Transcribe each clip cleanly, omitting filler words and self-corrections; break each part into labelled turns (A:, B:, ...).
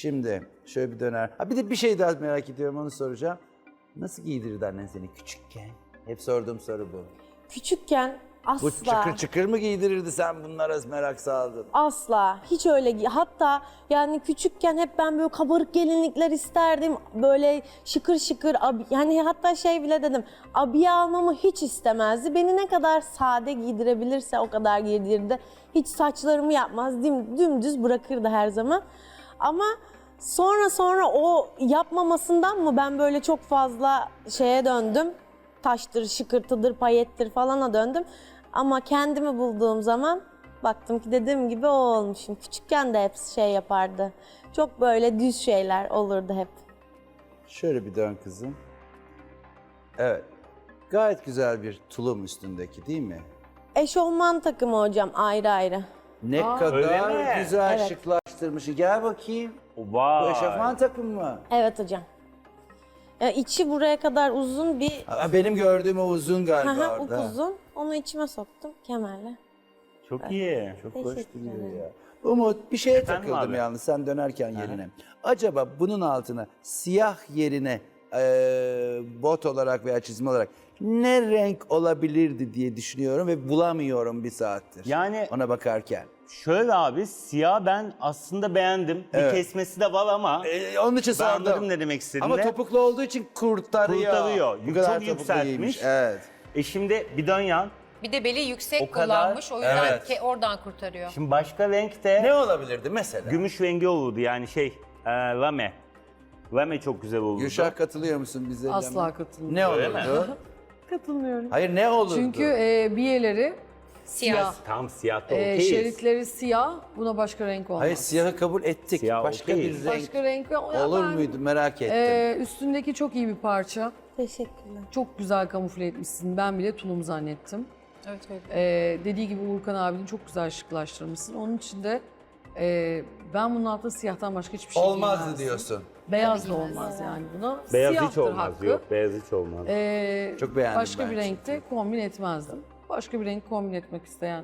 A: Şimdi şöyle bir döner. Ha bir de bir şey daha merak ediyorum, onu soracağım. Nasıl giydirirdi annen seni küçükken? Hep sorduğum soru bu.
B: Küçükken
A: Bu
B: asla.
A: çıkır çıkır mı giydirirdi, sen bunlara merak saldın?
B: Asla. Hiç öyle. Hatta yani küçükken hep ben böyle kabarık gelinlikler isterdim. Böyle şıkır şıkır. Yani hatta şey bile dedim. Abiye almamı hiç istemezdi. Beni ne kadar sade giydirebilirse o kadar giydirirdi. Hiç saçlarımı yapmaz. Dümdüz bırakırdı her zaman. Ama sonra o yapmamasından mı ben böyle çok fazla şeye döndüm. Taştır, şıkırtıdır, payettir falana döndüm. Ama kendimi bulduğum zaman baktım ki dediğim gibi o olmuşum. Küçükken de hep şey yapardı. Çok böyle düz şeyler olurdu hep.
A: Şöyle bir dön kızım. Evet. Gayet güzel bir tulum üstündeki, değil mi?
B: Eşofman takımı hocam ayrı ayrı.
A: Ne
C: öyle
A: kadar
C: mi?
A: güzel
B: Evet.
A: şıklaştırmış. Gel bakayım. Bu
C: Vay.
A: eşofman takım mı?
B: Evet hocam. İçi buraya kadar uzun bir
A: Benim gördüğüm o uzun galiba orada.
B: upuzun. Onu içime soktum kemerle.
C: Çok iyi.
A: Çok
B: Teşekkür
A: hoş duruyor
B: ederim.
A: ya. Umut, bir şeye
C: Efendim
A: takıldım
C: abi?
A: yalnız sen dönerken yerine. Acaba bunun altına siyah yerine bot olarak veya çizme olarak ne renk olabilirdi diye düşünüyorum ve bulamıyorum bir saattir.
C: Yani-
A: ona bakarken.
C: Şöyle abi, siyah ben aslında beğendim.
A: Evet.
C: Bir kesmesi de var ama
A: Onun için
C: ben
A: sordum.
C: anladım ne demek istediğini.
A: Ama topuklu olduğu için kurtarıyor.
C: Kurtarıyor.
A: Bu kadar
C: Çok
A: topuklu
C: yükseltmiş.
A: giymiş, evet.
C: Şimdi bir dön yan.
D: Bir de beli yüksek
C: O kadar-
D: kullanmış. O yüzden
A: Evet.
D: oradan kurtarıyor.
C: Şimdi başka renkte
A: Ne olabilirdi mesela?
C: gümüş rengi olurdu yani lame. Lame çok güzel olurdu.
A: Gülşah, katılıyor musun bize?
E: Asla katılmıyorum.
A: Ne
C: Öyle mi?
A: olurdu?
E: Katılmıyorum.
A: Hayır, ne olurdu?
E: Çünkü biyeleri
D: Siyah.
C: Tam siyah da okeyiz.
E: şeritleri siyah, buna başka renk olmaz.
A: Hayır, siyahı kabul ettik.
C: Siyah
A: Başka
C: okeyiz.
A: bir renk
E: Başka renk ya
A: olur
E: ben,
A: muydu, merak ettim.
E: Üstündeki çok iyi bir parça.
B: Teşekkürler.
E: Çok güzel kamufle etmişsin. Ben bile tulum zannettim.
D: Evet, evet.
E: Dediği gibi Uğurkan abinin çok güzel şıklaştırmışsın. Onun için de ben bunun altında siyahtan başka hiçbir şey
A: Olmazdı
E: giymezdim.
A: diyorsun.
E: Beyaz da olmaz yani buna.
C: Beyaz hiç
E: Siyahtır
C: olmaz.
E: hakkı.
C: Yok, beyaz hiç olmaz.
A: Çok beğendim
E: Başka
A: ben
E: bir
A: çünkü.
E: renkte kombin etmezdim. Başka bir renk kombin etmek isteyen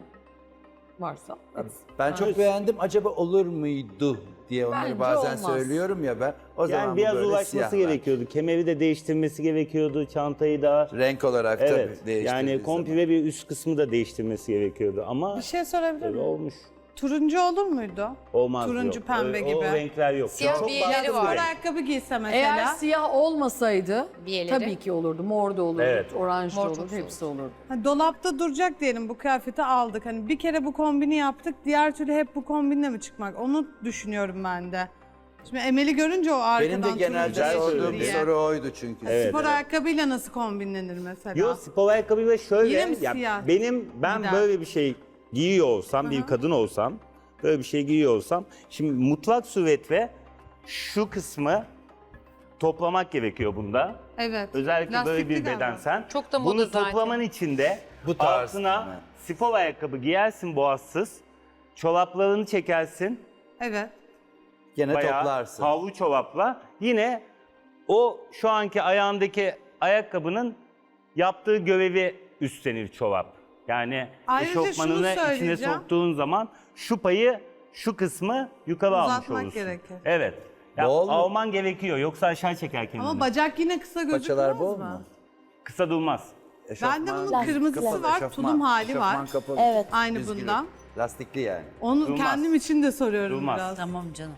E: varsa etsin.
A: Ben çok beğendim. Acaba olur muydu diye onları
E: Bence
A: bazen
E: olmaz.
A: söylüyorum ya ben. O zaman
C: Yani
A: bu
C: biraz
A: böyle
C: ulaşması
A: siyahlar.
C: gerekiyordu. Kemeri de değiştirmesi gerekiyordu. Çantayı da.
A: Renk olarak
C: Evet.
A: tabii değiştirdiği
C: Yani
A: zaman.
C: komple bir üst kısmı da değiştirmesi gerekiyordu ama
F: Bir şey sorabilir
C: öyle
F: miyim?
C: olmuş.
F: Turuncu olur muydu?
C: Olmaz.
F: Turuncu,
C: yok.
F: pembe
C: O
F: gibi.
C: renkler yok.
D: Siyah
C: Çok
D: bir yerleri
C: baskın
D: var.
C: renk.
F: Ayakkabı giyse
E: Eğer
F: mesela.
E: siyah olmasaydı
D: Biyeleri.
E: tabii ki olurdu. Mor da olurdu,
C: Evet.
E: oranj da
D: Mor çok
E: olurdu,
D: soğuk.
E: hepsi olurdu.
F: Dolapta duracak diyelim, bu kıyafeti aldık. Hani bir kere bu kombini yaptık, diğer türlü hep bu kombinle mi çıkmak? Onu düşünüyorum ben de. Şimdi Emel'i görünce o arkadan
A: Benim de genelde
C: Güzel
A: sorduğum
C: söyledi.
A: bir soru oydu çünkü.
C: Evet.
F: Spor ayakkabıyla nasıl kombinlenir mesela?
C: Yok, spor ayakkabıyla şöyle.
F: Yine mi
C: ya
F: siyah?
C: ben
F: Gider.
C: böyle bir şey giyiyor olsam, bir kadın olsam, böyle bir şey giyiyor olsam, şimdi mutlak suretle şu kısmı toplamak gerekiyor bunda.
F: Evet.
C: Özellikle böyle
F: Lastikli
C: bir
F: galiba.
C: bedensen.
D: Çok da moda
C: Bunu
D: zaten.
C: toplaman için de
A: Bu tarz,
C: altına
A: değil mi?
C: spor ayakkabı giyersin boğazsız. Çoraplarını çekersin.
F: Evet.
A: Gene
C: Bayağı
A: toplarsın.
C: havlu çorapla. Yine o şu anki ayağındaki ayakkabının yaptığı görevi üstlenir çorap. Yani
F: Ayrıca şunu
C: eşofmanını içine
F: söyleyeceğim.
C: soktuğun zaman şu payı, şu kısmı yukarı almış
F: Uzatmak
C: olursun.
F: gerekir.
C: Evet. Ya,
A: Bol mu?
C: alman gerekiyor yoksa aşağı çeker kendini.
F: Ama bacak yine kısa gözükmez
A: Paçalar bol
F: mi?
A: mu?
C: Kısa durmaz.
F: Bende bunun
A: Eşofman
F: kırmızısı
A: kapalı,
F: var,
A: eşofman.
F: tulum hali
A: Eşofman
F: var.
A: kapalı.
B: Evet.
F: Aynı
A: Düzgün.
F: bundan.
A: Lastikli yani.
F: Onu
C: Durmaz.
F: kendim için de soruyorum
C: Durmaz.
F: biraz.
G: Tamam canım.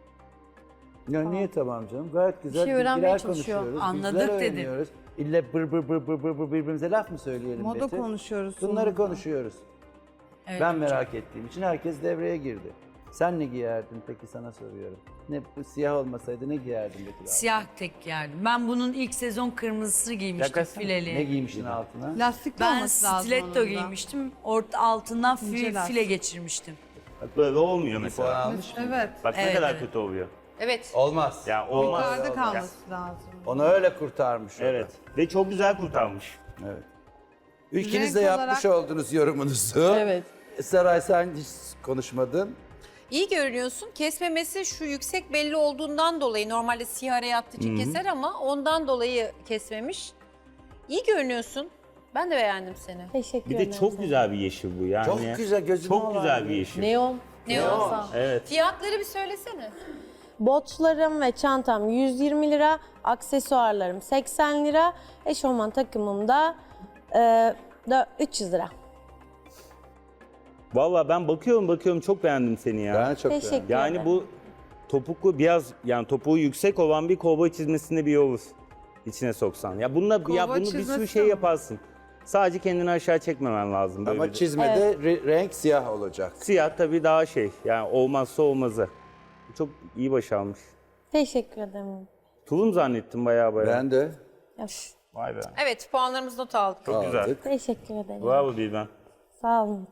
A: Ya niye tamam canım? Gayet güzel
B: şey öğrenmeye
A: bilgiler
B: çalışıyor.
A: konuşuyoruz.
G: Anladık
A: bilgiler
G: dedi.
A: öğreniyoruz. İlle bır bır bır bır bır bır birbirimize laf mı söyleyelim
F: Moda
A: Betül?
F: konuşuyoruz.
A: Bunları
F: sonunda.
A: konuşuyoruz.
G: Evet,
A: Ben merak ettiğim için herkes devreye girdi. Sen ne giyerdin peki, sana soruyorum. Ne bu siyah olmasaydı ne giyerdin Betül abi?
G: Siyah tek giyerdim. Ben bunun ilk sezon kırmızısını giymiştim
C: Yakasana.
G: fileli.
A: Ne giymiştin altına?
F: Lastikli
G: Ben
F: olması lazım onun
G: stiletto
F: da.
G: giymiştim. Altından
F: İnce lastik.
G: file geçirmiştim.
C: Bak böyle olmuyor
A: Bir puan
C: mesela.
A: almış mı?
F: Evet.
C: Bak ne
G: Evet,
C: kadar
G: evet.
C: kötü oluyor.
D: Evet.
A: Olmaz.
C: Ya olmaz.
F: Yukarıda kalması lazım.
A: Onu öyle kurtarmış o da.
C: Evet. Ve çok güzel kurtarmış.
A: Evet. İkiniz de
F: Renk
A: yapmış
F: olarak-
A: oldunuz yorumunuzu.
E: Evet.
A: Saray, sen hiç konuşmadın.
D: İyi görünüyorsun. Kesmemesi şu yüksek belli olduğundan dolayı, normalde siyah araya attığı için keser ama ondan dolayı kesmemiş. İyi görünüyorsun. Ben de beğendim seni.
B: Teşekkür
C: Bir
B: ederim.
C: de çok güzel bir yeşil bu yani.
A: Çok güzel, gözüme
C: Çok
A: alan
C: güzel
A: bir-
C: bir yeşil.
E: Neon.
D: Ne o?
C: Evet.
D: Fiyatları bir söylesene.
B: Botlarım ve çantam 120 lira, aksesuarlarım 80 lira, eşofman takımım da 300 lira.
C: Vallahi ben bakıyorum çok beğendim seni ya.
A: Ben çok
B: Teşekkür
A: beğendim.
C: Yani
B: ederim.
C: bu topuklu biraz yani topuğu yüksek olan bir kovboy çizmesinde bir olur. İçine soksan. Ya bununla ya
F: Kovboy
C: bunu bir sürü
F: çizmesi
C: şey
F: mi?
C: yaparsın. Sadece kendini aşağı çekmemen lazım. Böyle
A: Ama
C: bir-
A: çizmede renk siyah olacak.
C: Siyah tabii daha şey. Yani olmazsa olmazı. Çok iyi başarmış.
B: Teşekkür ederim.
C: Tulum zannettim baya.
A: Ben de
C: Vay be.
D: Evet puanlarımızı not aldık.
C: Çok güzel.
A: aldık.
B: Teşekkür ederim.
C: Bravo Bilben.
B: Sağ olun.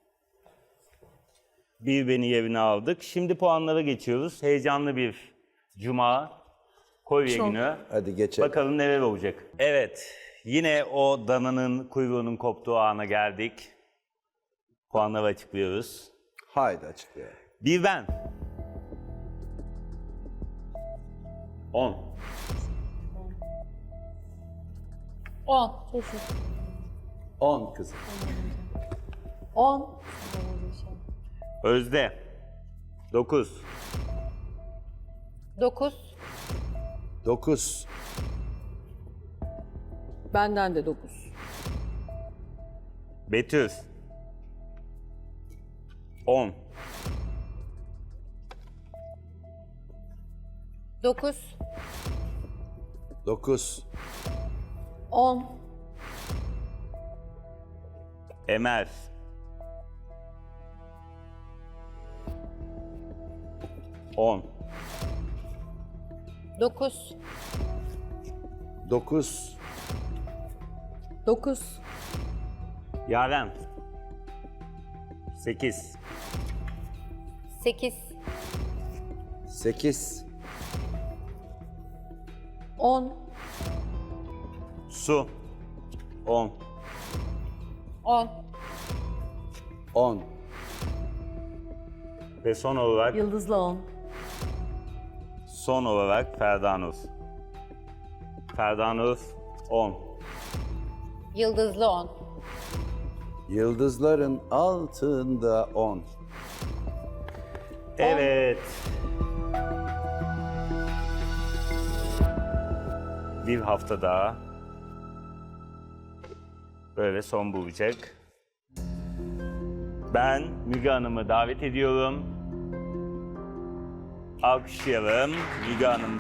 C: Bir beni yerine aldık. Şimdi puanlara geçiyoruz. Heyecanlı bir cuma kolye günü.
A: Hadi geçelim.
C: Bakalım neler olacak. Evet. Yine o dananın kuyruğunun koptuğu ana geldik. Puanları açıklıyoruz.
A: Haydi açıklayalım.
C: Bilben. 10.
D: 10.
A: 10 kızım.
B: 10.
C: Özde. 9.
D: 9.
A: 9.
E: Benden de 9.
C: Betül. 10.
D: 9.
A: 9.
B: 10.
C: Emel. 10.
D: 9.
A: 9.
E: 9.
C: Yaren. 8.
D: 8.
A: 8.
B: 10.
C: Su. 10.
D: 10.
A: 10.
C: Ve son olarak
E: Yıldızlı 10.
C: Ferdanur. Ferdanur 10.
D: Yıldızlı 10.
A: Yıldızların altında 10.
C: Evet. Bir hafta daha böyle son bulacak. Ben Müge Hanım'ı davet ediyorum. Alkışlayalım Müge Hanım.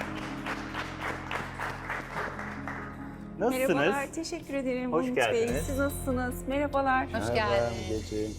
C: Nasılsınız?
H: Merhabalar, teşekkür ederim
C: Hoş
H: Umut Bey.
C: geldiniz.
H: Siz nasılsınız? Merhabalar.
D: Hoş geldin.
A: Geceyim.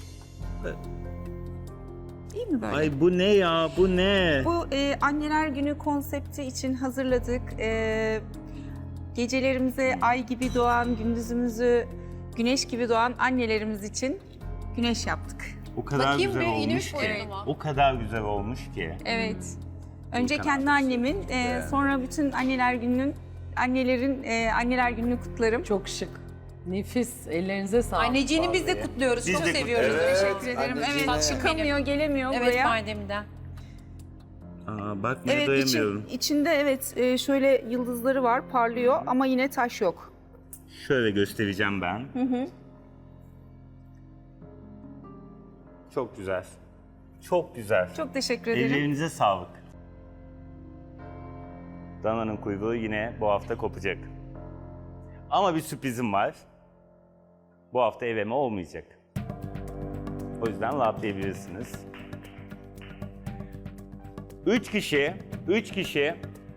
H: İyi mi böyle?
C: Ay bu ne ya? Bu ne?
H: Bu Anneler Günü konsepti için hazırladık. Gecelerimize ay gibi doğan, gündüzümüzü güneş gibi doğan annelerimiz için güneş yaptık.
C: O kadar
D: Bakayım
C: güzel
D: bir,
C: olmuş
D: iğnemiş
C: ki.
D: boyunu mu?
C: O kadar güzel olmuş ki.
H: Evet. Önce
C: Volkan
H: kendi
C: abi.
H: annemin, sonra bütün annelerin Anneler Günü'nü kutlarım.
E: Çok şık. Nefis. Ellerinize sağlık.
D: Anneciğini biz de kutluyoruz.
C: Biz
D: Çok
C: de
D: seviyoruz.
C: kutluyoruz.
H: Teşekkür ederim.
A: anneciğim.
H: Evet, çıkamıyor, gelemiyor
D: Evet
H: buraya.
D: Badem'den.
C: Aa, bakmaya
H: Evet,
C: doyamıyorum.
H: içinde evet şöyle yıldızları var, parlıyor ama yine taş yok.
C: Şöyle göstereceğim ben. Çok güzel. Çok güzel.
H: Çok teşekkür ederim.
C: Ellerinize sağlık. Dana'nın kuyruğu yine bu hafta kopacak. Ama bir sürprizim var. Bu hafta eveme olmayacak. O yüzden rahatlayabilirsiniz. 3 kişi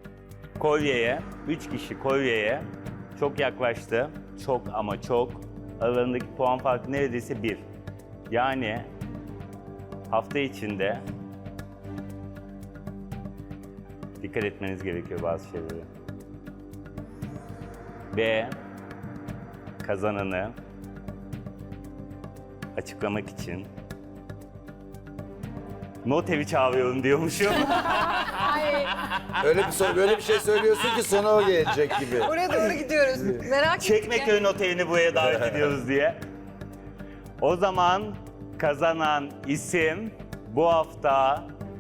C: kolyeye çok yaklaştı. Çok ama çok. Aralarındaki puan farkı neredeyse 1. Yani hafta içinde dikkat etmeniz gerekiyor bazı şeylere. Ve kazananı açıklamak için not evi çağırıyorum diyormuşum.
A: Böyle bir şey söylüyorsun ki sona o gelecek gibi.
D: Oraya doğru gidiyoruz. Merak ettim.
C: Çekmeköy not evini buraya davet ediyoruz diye. O zaman kazanan isim bu hafta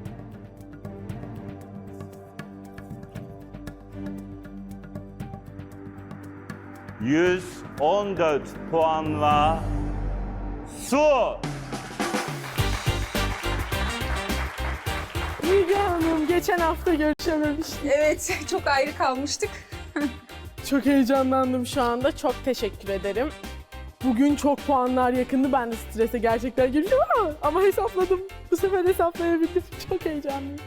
C: ...114 puanla Su.
E: Müge Hanım,
I: geçen hafta görüşememiştik.
H: Evet, çok ayrı kalmıştık.
I: Çok heyecanlandım şu anda. Çok teşekkür ederim. Bugün çok puanlar yakındı. Ben de strese gerçekten girdim ama hesapladım. Bu sefer hesaplayabildim. Çok heyecanlıyım.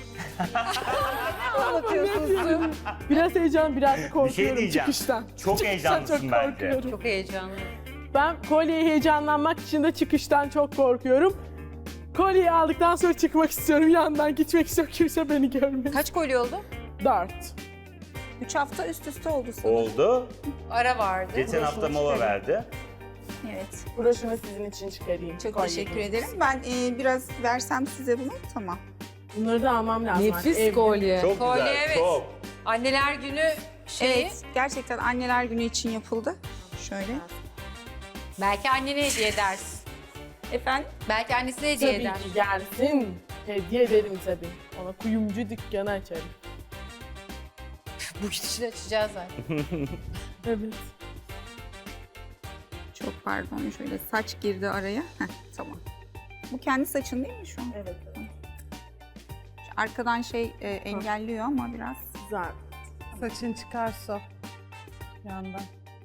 I: Biraz heyecan, biraz da korkuyorum
C: diyeceğim.
I: çıkıştan.
C: Çok
I: Çıkıştan
C: heyecanlısın
I: çok
C: bence.
I: korkuyorum.
D: Çok heyecanlı.
I: Ben kolyeye heyecanlanmak için de çıkıştan çok korkuyorum. Kolyeyi aldıktan sonra çıkmak istiyorum. Yandan gitmek istiyorum. Kimse beni görmesin.
D: Kaç kolye oldu?
I: 4.
H: 3 hafta üst üste oldu sanırım.
C: Oldu.
D: Ara vardı.
C: Geçen hafta mola verdi.
H: Evet.
I: Broşümü sizin için çıkarayım.
H: Çok
I: Kolye
H: teşekkür
I: gibi.
H: ederim. Ben biraz versem size bunu, tamam.
I: Bunları da almam lazım.
E: Nefis
I: Evde.
E: kolye.
C: Çok
D: Kolye,
C: güzel,
D: evet.
C: çok.
D: Anneler günü şeyi.
H: Evet, gerçekten anneler günü için yapıldı. Şöyle.
D: Belki annene hediye edersin.
H: Efendim?
D: Belki annesine hediye
I: Tabii
D: eder.
I: ki gelsin. Hediye ederim tabii. Ona kuyumcu dükkanı açarım.
D: Bu gidişle açacağız zaten.
I: Evet.
H: Çok pardon, şöyle saç girdi araya. Heh, tamam. Bu kendi saçın değil mi şu an?
I: Evet.
H: Şu arkadan engelliyor ama biraz.
I: Güzel.
F: Saçın çıkarsa yandan.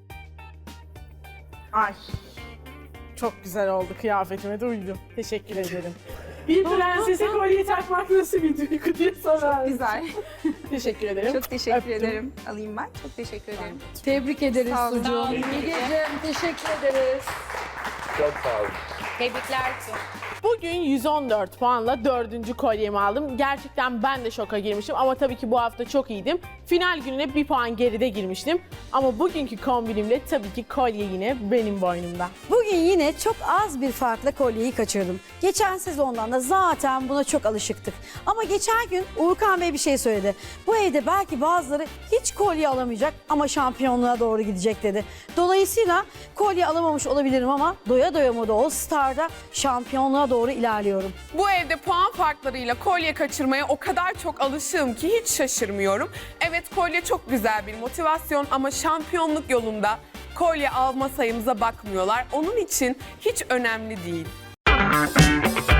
I: Ay. Çok güzel oldu. Kıyafetime de uydu. Teşekkür ederim. Bir prensese kolye takmak nasıl bir duygu diye sorar.
H: Güzel.
I: Teşekkür ederim.
H: Çok teşekkür
I: Öptüm.
H: ederim. Alayım ben. Çok teşekkür ederim.
E: Tebrik ederiz
H: Sağ olun.
E: Sucuğum.
D: Sağ olun.
E: Bilgeciğim, teşekkür ederiz.
C: Çok sağ olun.
D: Tebrikler.
I: Bugün 114 puanla 4. kolyemi aldım. Gerçekten ben de şoka girmiştim ama tabii ki bu hafta çok iyiydim. Final gününe 1 puan geride girmiştim. Ama bugünkü kombinimle tabii ki kolye yine benim boynumda.
J: Bugün yine çok az bir farkla kolyeyi kaçırdım. Geçen sezondan da zaten buna çok alışıktık. Ama geçen gün Uğurkan Bey bir şey söyledi. Bu evde belki bazıları hiç kolye alamayacak ama şampiyonluğa doğru gidecek dedi. Dolayısıyla kolye alamamış olabilirim ama doya doya moda All Star'da şampiyonluğa doğru ilerliyorum.
K: Bu evde puan farklarıyla kolye kaçırmaya o kadar çok alışığım ki hiç şaşırmıyorum. Evet, kolye çok güzel bir motivasyon ama şampiyonluk yolunda kolye alma sayımıza bakmıyorlar. Onun için hiç önemli değil.